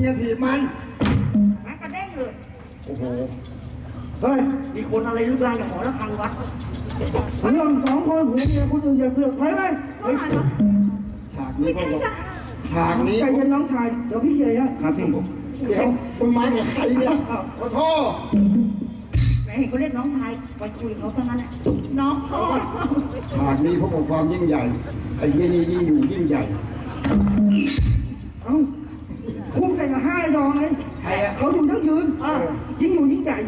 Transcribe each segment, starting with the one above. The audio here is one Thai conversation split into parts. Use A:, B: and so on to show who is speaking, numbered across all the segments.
A: จะถีบมัน
B: แม่กระเด้งเลย
A: โอ้โห
C: เฮ้ย
B: มีคนอะไรรูปร่างอย่างหมอระฆังวัด
C: เรื่องสองคนผัวเมียคนอื่นอย่าเสือกใครไหม
A: ฉากนี้ก็ฉากนี้
C: ใจเย็นน้องชายเดี๋ยวพี่เคลียร์ให้
A: ครับพี่เดี๋ยวมึงมากับใครเนี่ยขอโทษ
B: แม่เห็นเขาเรียกน้องชายไปคุยเขาซะงั้นน้องพ่อ
A: ฉากนี้พวกของความยิ่งใหญ่ไอ้ที่นี่ยิ่งอยู่ยิ่งใหญ่
C: เอ้าคู่แข่งกับห้ายอไง
A: ใครอะ
C: เขาอยู่ยั่งยืนยิ่งอยู่ยิ่งใหญ่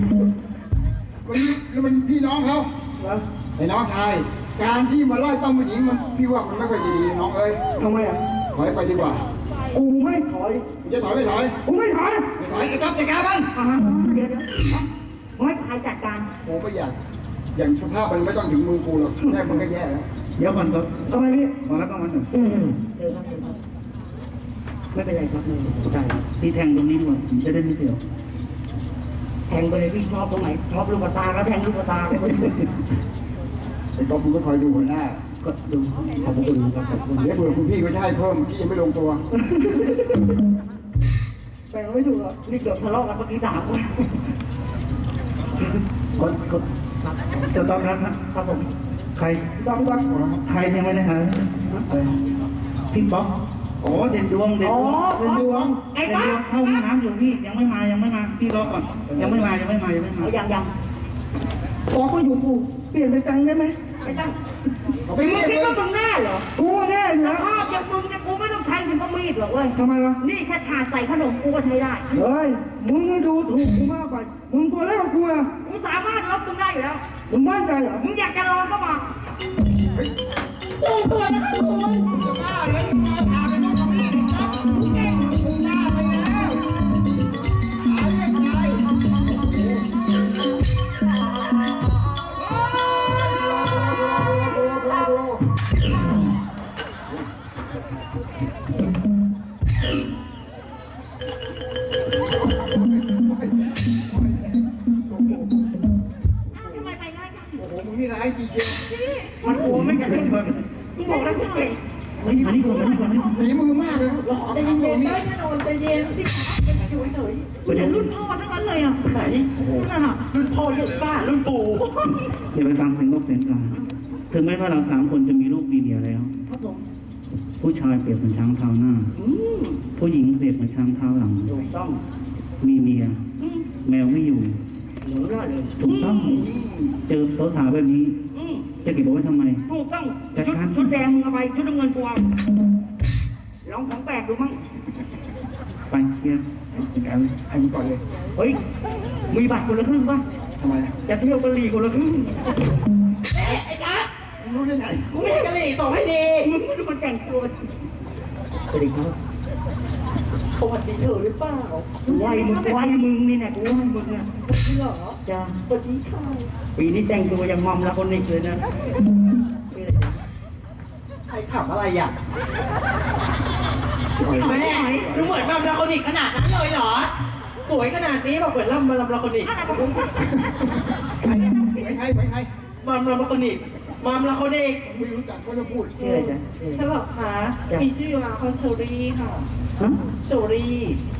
A: มันพี่น้องเขาไอ้น้องชายการที่มาไล่ปั้มผู้หญิงมันพี่ว่ามันไม่ค่อยดีน้องเอ้ย
C: ทำไมอ่ะ
A: ถอยไปดีกว่า
C: กูไม่ถอย
A: จะถอยไม่ถอย
C: กูไม่ถอย
A: ไอ้ก๊อฟจัดการมัน
B: เดี๋ยวไม่ใครจัดการ
A: โอ้ไม่อยากอย่างสภาพมันไม่ต้องถึงมือกูหรอกแค่มันก็แย่แล้ว
C: เดี๋ยวก่อนครับทำไมพี่
D: ขอรับรางวัลหน่อย
B: เจอครับไม่เป็นไรครับ
D: ได้พี่แทงตรงนี้ดีกว่าผมจะได้ไม่เสียว
B: แทงไปเลยพี่ชอบตรงไหนชอบลูกตาก็แทงลูกตาไป
A: ไอ้ก๊อฟมึงก็คอยดูหัวหน้า
D: ก็ดูขอบคุณครับขอบคุณ
A: เดี๋ยวเผื่อคุณพี่ก็จะให้เพิ่มพี่ยังไม่ลงตัว
C: แบ่งไม่ถูกหรอ
B: นี่เกือบทะเลาะกันเมื่อกี้3 คน
D: คนจะต้อนรับนะครับผมใคร
C: ต้องรัก
D: ใครยังไม่ได้หาพี่ป๊อกอ๋อเด่นดวงเด่นดวงเข้าห้องน้ำอยู่พี่ยังไม่มาพี่รอก่อนยังไม่มา
B: ยัง
C: บอกว่าอยู่กูเปลี่ยนไปตังได้ไหม
B: ไม่ต้องมึงคิดว่ามึงแน่เหรอ
C: กูแน่เหรอ
B: สภาพอย่างมึงเนี่ยกูไม่ต้องใช้ถึงก็มีดหรอกเว้ย
C: ทำไมวะ
B: นี่แค่ถาดใส่ขนมกูก็ใช้ได้
C: เฮ้ยมึงไม่ดูถูกกูมากไปมึงตัวเล็กกว่ากูอะ
B: กูสามารถลบมึงได้อยู่แล้ว
C: มึงมั่นใจเหรอ
B: มึงอยากจะลองก็มา
C: ตัวนะครับคุณ
A: จะบ้าเลยมาถามไปต้องทำนี่ครับมึงเก่งมึงหน้าไปแล้วสายเรียกอะไรนี่นะไอ้จีเชีย
B: มันโอ้ไม่กันเลยมึงบอกแล้วจะเก่ง
D: อันนี้ก่อน
A: ฝีมือมากเลย
C: ใจเย็นได้แน่นอนใจเย็นอยู่เฉย
B: เป็นรุ่นพ่อทั้งนั้นเลยอ่ะ
C: ไหน
B: นั่นอ่ะ
C: รุ่นพ่อรุ่นป้ารุ่นปู่
D: เดี๋ยวไปฟังเสียงนกเสียงกาถึงแม้ว่าเรา3 คนจะมีลูกมีเมียแล้วผู้ชายเปรียบเหมือนช้างเท้าหน้าผู้หญิงเปรียบเหมือนช้างเท้าหลัง
B: ถูกต้อง
D: มีเมียแมวไม่อยู่
B: หนูรอดเลย
D: ถูกต้องเจอสาวๆแบบนี้จะเก็บไว้ทำไม
B: ถูกต้องชุดแดงมึงเอาไปชุดน้ำเงินกูเอาลองของแปลกดูมั้ง
D: ไปเฮียกัน
A: ให้มึงก่อนเลย
B: เฮ้ยมีบัตรคนละครึ่งป่ะ
A: ทำไม
B: จะเที่ยวกะหรี่คนละครึ่ง
C: ไอ้กั๊ก
A: มึงรู้ได้ไง
C: กูไม่ใช่กะหรี่ต่อให้ดี
B: มึงไม่รู้มันแต่งตัวสวัสดีครับ
C: สวัสดีเธอหรือเปล่า
B: ไหวมึงนี่แหละกูให้มึงเนี่ย
C: จริงเหรอ
B: จ้า
C: สวัสดีค่ะ
B: ปีนี้แต่งตัวยังมอมละคนนี้เลยนะชื่ออะไรจ๊ะ
C: ใครขับอะไรอ่ะแม่ดูเหมือนมัมลาโคนิกขนาดนั้นเลยเหรอสวยขนาดนี้บอกเหมือนมัมลาโคนิก
A: ใคร
C: มัมลาโคนิก
A: ไม่รู้จักก็จะพูด
B: ชื่ออะไรจ๊ะ
C: ฉลองค่ะมีชื่อมาคอนเชอรี่ค่ะเชอรี่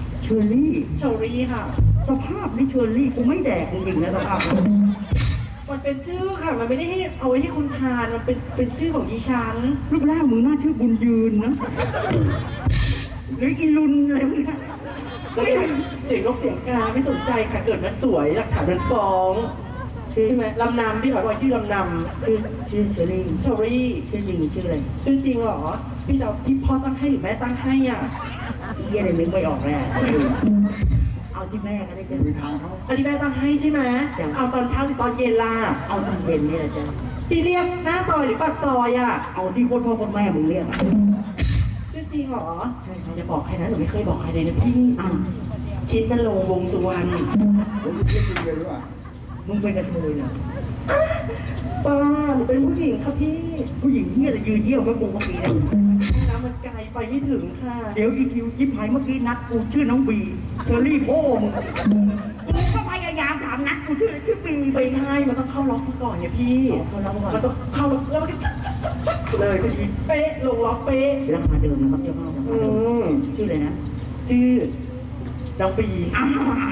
C: ค่ะ
B: สภาพนี่เชอรี่กูไม่แดกจริงๆนะสภาพ
C: มันเป็นชื่อค่ะมันไม่ได้ให้เอาไว้ให้คุณทานมันเป็นชื่อของดิฉัน
B: รูปร่างมึงน่าชื่อบุญยืนนะหรืออีลุนอะไรพวกนี้
C: เสียงนกเสียงกาไม่สนใจค่ะเกิดมาสวยหลักฐานเป็นฟ้องใช่ไหมลำนำพี่ขอบอกชื่อลำน
B: ำชื่อเชอรี่
C: ชื่อ
B: จริงชื่ออะไร
C: ชื่อจริงเหรอพี่จะพี่พ่อตั้งให้หรือแม่ตั้งให้อ่ะ
B: เยี่ยอะไรนึกไม่ออกแน่เอาที่แม่ก็ได้จ้ะ
A: มีทางเขา
C: เอาที่แม่ตั้งให้ใช่ไหมเอาตอนเช้าหรือตอนเย็นล่ะ
B: เอาตอนเย็นนี่แหละจ้ะ
C: ที่เรียกหน้าซอยหรือปากซอยอ่ะ
B: เอาที่โคตรพ่อโคตรแม่มึงเรียก
C: ชื่อจริงเหรอใช่จะบอกใครนะหนูไม่เคยบอกใครเลยนะพี่ชินนรงค์วงสุวรรณ
A: ผมเรียกจริงเลยหรือเปล่า
B: มึงเป็นกระเทยเนี่ย
C: ป้าหนูเป็นผู้หญิงครับพี่
B: ผู้หญิงที่จะยืนเยี่ยวกับกูเมื่อกี้เนี่ย
C: น้ำมันไกลไปไม่ถึงค่ะ
B: เดี๋ยวอีคิวยิ้มหายเมื่อกี้นัดกูชื่อน้องบีเชอรี่พ่อมึงกูก็พยายามถามนัดกูชื่อบี
C: ไม่ใช่มันต้องเข้าล็อกมาก่อนเนี่ยพี่มันต้องเข้าแล้วมันก็เลยพอดีเป๊ะลงล็อกเป๊ะ
B: ราคาเดิมนะครับเจ้าพ่อชื่ออะไรนะ
C: ชื่ชื่อน้องบี
B: อ้าว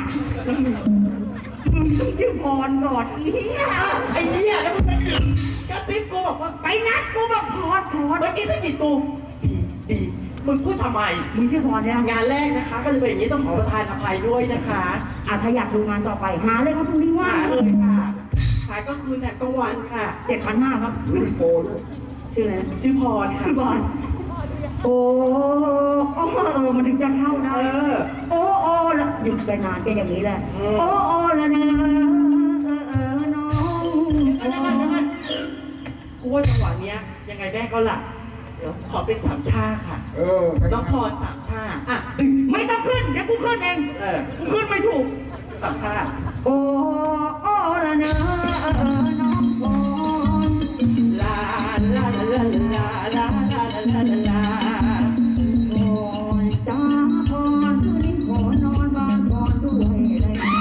B: มึงต้องชื่อพรก่อนอีเหี้ย
C: อ้าวไอ้เหี้ยแล้วมึงกระซิบกูบอกว่า
B: ไปนัดกูบอกพร
C: เมื่อกี้สะกิดกูบีมึงพูดทำไม
B: มึงชื่อพรเนี่ย
C: งานแรกนะคะ ก็จะเป็นอย่างนี้ต้องขอประทานอภัยด้วยนะคะ
B: ถ้าอยากดูงานต่อไปหาเลยครับพรุ่งนี้ว่า
C: หาเลยค่ะขายก็คืนแถมกลางวันค่ะ
B: 7,500ครับ
C: มีโปรด้วย
B: ชื่ออะไรนะ
C: ชื่อพรค่ะ
B: ชื่อพรโอ้มันถึงจะเข้าได้ โอ้แล้วหยุดไปนานก็อย่างนี้แหละ โอ้แล้วนะน้อง
C: นั่นกูว่าจังหวะเนี้ยยังไงแม่ก็หลับเดี๋ยวขอเป็นสามชาค่ะน้องพรสามชาอ่ะตึง
B: ไม่ต้องขึ้นเดี๋ยวกูขึ้นเองกูขึ้นไม่ถูก
C: สามชา
B: โอ้แล้วนะน้องพร
C: ลาลาลาลาลาลาลาลาลา
B: พรจ้าพรคืนนี้ขอนอนบ้านพรด้วยได้ไหม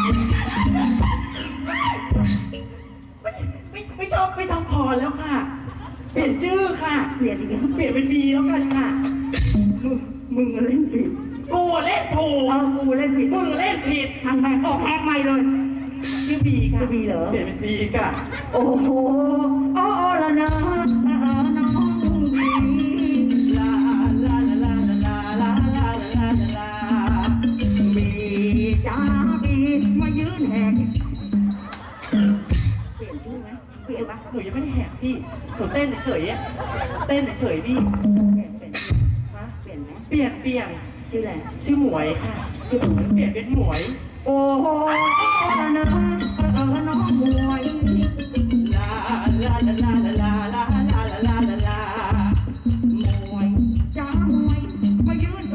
C: ไม่ชอบพรแล้วค่ะ เปลี่ยนชื่อค่ะ
B: เปลี่ยนอีกแล้ว
C: เปลี่ยนเป็นบีแล้วกันค่ะ
B: มึงเล่นผิด
C: กูเล่นถูก
B: กูเล่นผิด
C: มึงเล่นผิด
B: ทางแบงค์ออกแฮกใหม่เลย
C: ชื่อบีค่ะ
B: ชื่อบีเหรอ
C: เปลี่ยนเป็นบีค่ะ
B: โอ้โหละนะน้องบี
C: ลาลาลาลาลาลาลาลาลา
B: บีจ้าบีมายืนแหกเปลี่ยนชื่อไหมเปลี่ยนปะ
C: หนูยังไม่ได้แหกพี่หนูเต้นเฉยๆอะเต้นเฉยๆพี่
B: เปลี่ยน
C: ฮะ
B: เปลี่ยนไหม
C: เปลี่ยน
B: ชื่ออะไร
C: ชื่อหมวยค่ะชื่อหมวยเปลี่ยนเป็นหมวย
B: โอ้โหละนะน้องมวย
C: ลาลาลาลาลาลาลาลาลาลาม
B: วยจ้ามวยมายืน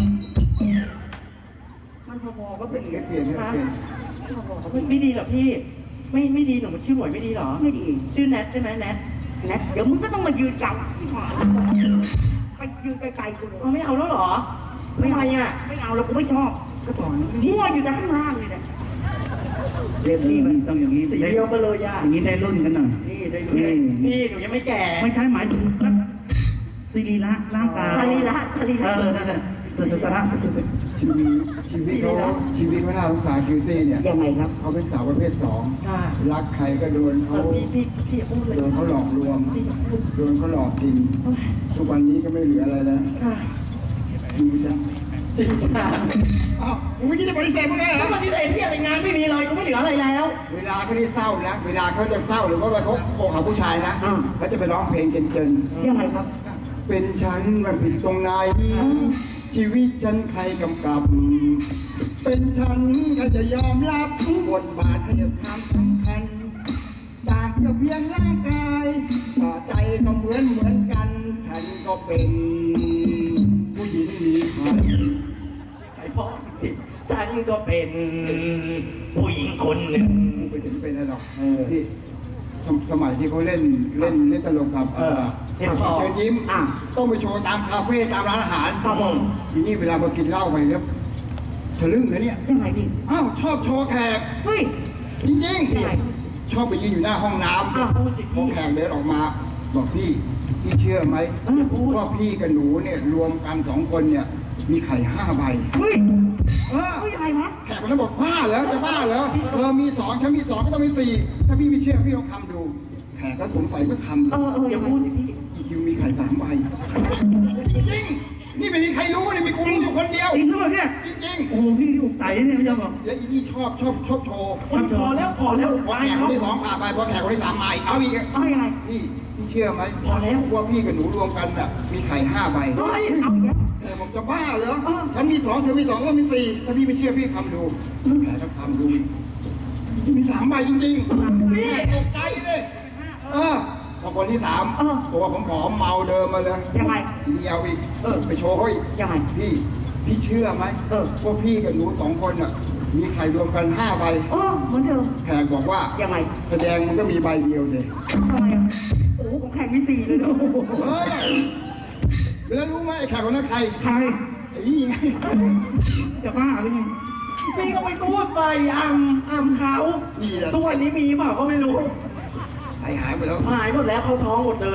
B: มันพอๆก็เปลี่ยน
A: เปลี่ยน
C: ฮะไม่ดีเหรอพี่ ไม่ดีหนูมันชื่อหมวยไม่ดีเหรอ
B: ไม่ดี
C: ชื่อแนทใช่ไหมแนท
B: นะเดี๋ยวมึงก็ต้องมายืนจับที่หมาไปยืนไกลๆกูเลย
C: เอาไม่เอาแล้วเหรอไม่ไงอ่ะ
B: ไม่เอาแล้วกูไม่ชอบ
A: ก็ต่อนี้
B: มั่วอยู่แต่ข้างล่างเลยนะเรียบ
D: นี่
B: รีบ
D: มันต้องอย่างนี้
C: สีเดียวกันเลยอ่ะ
D: อย่างนี้ได้รุ่นกันหน่อย
B: นี่ได้ดู
D: นี่
C: พี่หนูยังไม่แก่
D: ไม่ใช่หมายถึงสรีระร่างกาย
B: สรีระสรีระ
D: นั่นแหละสรีระ
A: ชีวิตเขาน่าสงสารคิวซี่เนี่ย
B: ยังไงครับ
A: เขาเป็นสาวประเภทสอง
C: ค่ะ
A: รักใครก็โดนเขา
C: พี่อย่าพูดเลย
A: โดนเขาหลอกลวง
C: พี่อย่าพูด
A: โดนเขาหลอกกิน ทุกวันนี้ก็ไม่เหลืออะไรแล้ว
C: ค่ะ
A: จริงจัง
C: จริงจัง
A: อ้าวมึงไม่คิดจะปฏิเสธมึงไงเหร
C: แล้
A: อ
C: วปฏิเสธที่อะไรงานไม่มีเลยก็ไม่เหลืออะไรแล้ว
A: เวลาเขาได้เศร้านะเวลาเขาจะเศร้าหรือว่าเขาโกหาผู้ชายนะเขาจะไปร้องเพลงเจน
B: ยังไงครับ
A: ๆเป็นฉันมันผิดตรงไหนชีวิตฉันใครกำกับ เป็นฉันก็จะยอมรับบทบาทให้ความสำคัญต่างก็เพียงร่างกายต่อใจก็เหมือนกัน ฉันก็เป็นผู้หญิงมีคัน
C: ใครฟ้องสิฉันก็เป็นผู้หญิงคนหนึ่ง
A: ไปถึงเป็นอะไรหรอกนี่สมัยที่เขาเล่นตลกกับเชิญยิ้มต้องไปโชว์ตามคาเฟ่ตามร้านอาหาร
B: ครับผม
A: ทีนี้เวลามากินเหล้าไปแล้วทะลึ่งนะเนี่ย
B: ยังไงพี่
A: อ้าวชอบโชว์แขก
B: เฮ้ย
A: จริง
B: ยังไง
A: ๆ ชอบไปยืนอยู่หน้าห้องน้
B: อ้าว
A: ำพอแขกเดินออกมา บอกพี่เชื่อไหมว่าพี่กับหนูเนี่ยรวมกัน2 คนเนี่ยมีไข่5 ใบ
B: เฮ้ย
A: เออ
B: เฮ้ยอะไรวะ
A: แขกคนนั้นบอกบ้าเหรอจะบ้าเหรอเธอมี2ฉันมี2ก็ต้องมี4ถ้าพี่ไม่เชื่อพี่ลองคำดูแขกก็สงสัยก็คำดู
C: อย่าพูดสิพี่
A: อีคิวมีไข่3 ใบจริงๆนี่ไม่มีใครรู้นี่มีกูรู้อยู่คนเดียว
D: จริงหรือเปล่าเนี่ย
A: จริง
D: โอ้โหพี่อุกไตเนี่ยไม่ยอมบอก
A: ๆและอีนี่ชอบโชว์
C: พอแล้ว
A: พอแขกคนที่2ผ่านไปพอแขกคนที่3มาอีกเอาอีก
B: เอายังไง
A: พี่เชื่อไหม
C: พอแล้ว
A: ว่าพี่กับหนูรวมกันน่ะมีไข่5 ใบ
B: เฮ้ยเอาอย่างเงี้ย
A: แขกบอกจะบ้าเหรอฉันมี2เธอมี2แล้วมี4ถ้าพี่ไม่เชื่อพี่คำดูแขกก็คำดูมี3 ใบจริงๆพี่ตกใจเลยพอคนที่3ตัวผอมๆเมาเดิมมาเลย
B: ยังไง
A: ทีนี้เอาอีกไปโชว์เขาอีก
B: ยังไง
A: พี่เชื่อไหม ว่าพี่กับหนู2 คนน่ะมีไข่รวมกัน5 ใบ
B: เหมือนเดิม
A: แขกบอกว่า
B: ยังไง
A: แสดงมันก็มีใบเดียวเลย
B: ทำไมอ่ะโอ้โหของแข่งมี4เลยเนอะ
A: เฮ้ยแล้วรู้ไหมไอ้แขกคนนั้นใคร
D: ใคร
A: ไอ้นี่ไง
D: จะบ้าหรือไง
C: พี่ก็ไปพูดไปอ้ำเขา
A: นี่แหละ
C: ทุกวันนี้มีเปล่าก็ไม่รู้
A: ไข่หายไปแล้ว
C: หายหมดแล้วเขาท้องหมดเลย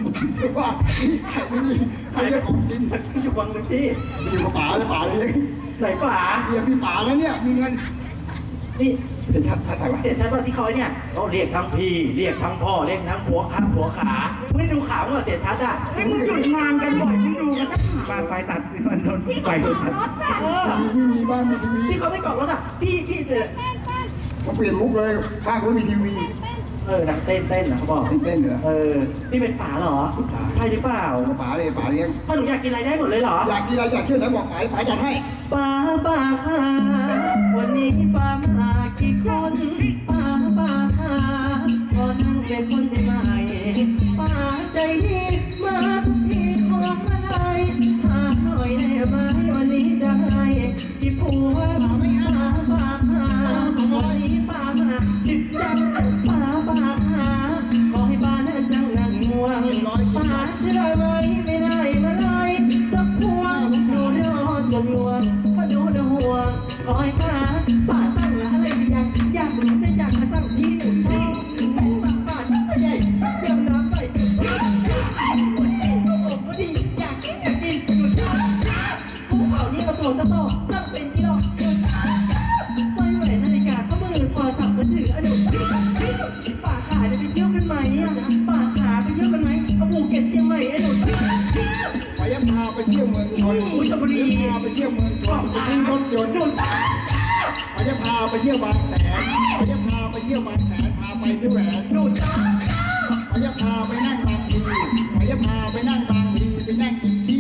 A: ว่าไข่ไม่มีไข่จะของกิน
C: อยู่วังเลยพี่
A: อยู่กับป๋าเลยป๋าเลย
C: ไหนป๋า
A: เรียกพี่ป๋าแล้วเนี่ยมีเงิน
C: นี่
A: เป็นชัดชัดชัด
C: เสียชัดว่าที่เขาเนี่ยเขาเรียกทั้งพี่เรียกทั้งพ่อเรียกทั้งผัวขาผัวขาไม่ได้ดูข่าวเหรอเสียชัดอ่ะ
B: ให้มึงหยุดงานกันบ่อยมึงดูกันนะ
D: บ้านไฟตัดมันโดนไฟตัด
C: เออ
A: มีบ้านมีทีวี
C: ที่เขาไม่กอดรถอ่ะพี่เลย
A: มาเปลี่ยนมุกเลยบ้านก็มีทีวี
C: นักเต้นนะเขาบอก
A: เต้นเหรอ
C: พี่เป็นป๋าเหรอใช่หรือเปล่า
A: ป๋าเลยป๋าเลี้ยง
C: ถ้าหนูอยากกินอะไรได้หมดเลยเหรอ
A: อยากกินอะไรอยากเชื่อไหนบอกป๋าจัดให้
C: ป๋าค่ะวันนี้ป๋ามากี่คนป๋าค่ะขอนั่งเป็นคนได้ไหมป๋าใจดีมาทุกทีของอะไรหาหน่อยได้ไหมวันนี้จะให้กี่ผัวป๋าค่ะวันนี้ป๋ามาจิบจังป๋าค่ะขอให้ป๋านั่นจังนั่งง่วงป๋าเชื่อไหมไม่ได้มาเลยสักพวงดูรอจนลวงพอดูนะห่วงขอให้ป๋าสั่งอะไรอย่างอยากรู้จะอยากมาสั่งที่หนูชอบแต่สั่งป๋าตั้งแต่ใหญ่เยี่ยมน้ำใส่วันนี้ก็บอกว่าดีอยากกินหยุดกุ้งเผานี่เอาตัวต่อสั่งเป็นกิโลหยุดสร้อยแหวนนาฬิกาข้อมือโทรศัพท์มือถืออนุป๋าขาไปเที่ยวกันไหมอ่ะป๋าขาไปเที่ยวกันไหมเอาภูเก็ตเชียงใหม่ไอ้หนู
A: ป๋าจะพาไปเที่ยวเมืองชนพาไปเที่ยวเมืองชนไปซื้อรถยนต์ป๋าจะพาไปเที่ยวบางแสนป๋าจะพาไปเที่ยวบางแสนพาไปซื้อแหวนป๋าจะพาไปนั่งบางพีป๋าจะพาไปนั่งบางพีไปนั่งกินที่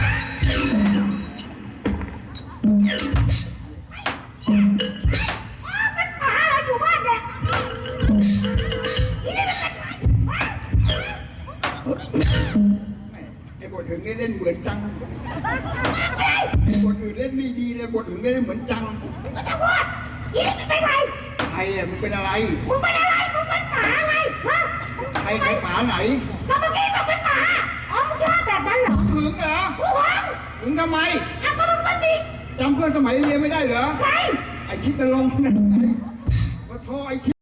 B: ป๋าเราอยู่บ้านเนี่ยนี่ได้เป็นใคร
A: ไอ้บทถึงนี่เล่นเหมือนจังไอ้บทอื่นเล่นไม่ดีเลยบทอื่นเล่นเหมือนจัง
B: ไม่ต้องพูดนี่เป็นใคร
A: ใครอ่ะมึงเป็นอะไร
B: มึงเป็นอะไรมึงเป็นหมาไงฮะ
A: ใครใครหมาไหน
B: ก็เมื่อกี้บอกเป็นหมาอ๋อมึงชอบแบบนั้นเหรอ
A: หึงเหรอ
B: กูหวัง
A: หึงทำไม
B: อ่ะก็มึงเป็นดิ
A: จำเพื่อนสมัยเรียนไม่ได้เหรอ
B: ใคร
A: ไอ้ชิดนรงค์นั่นไงมาโทรไอ้ชิด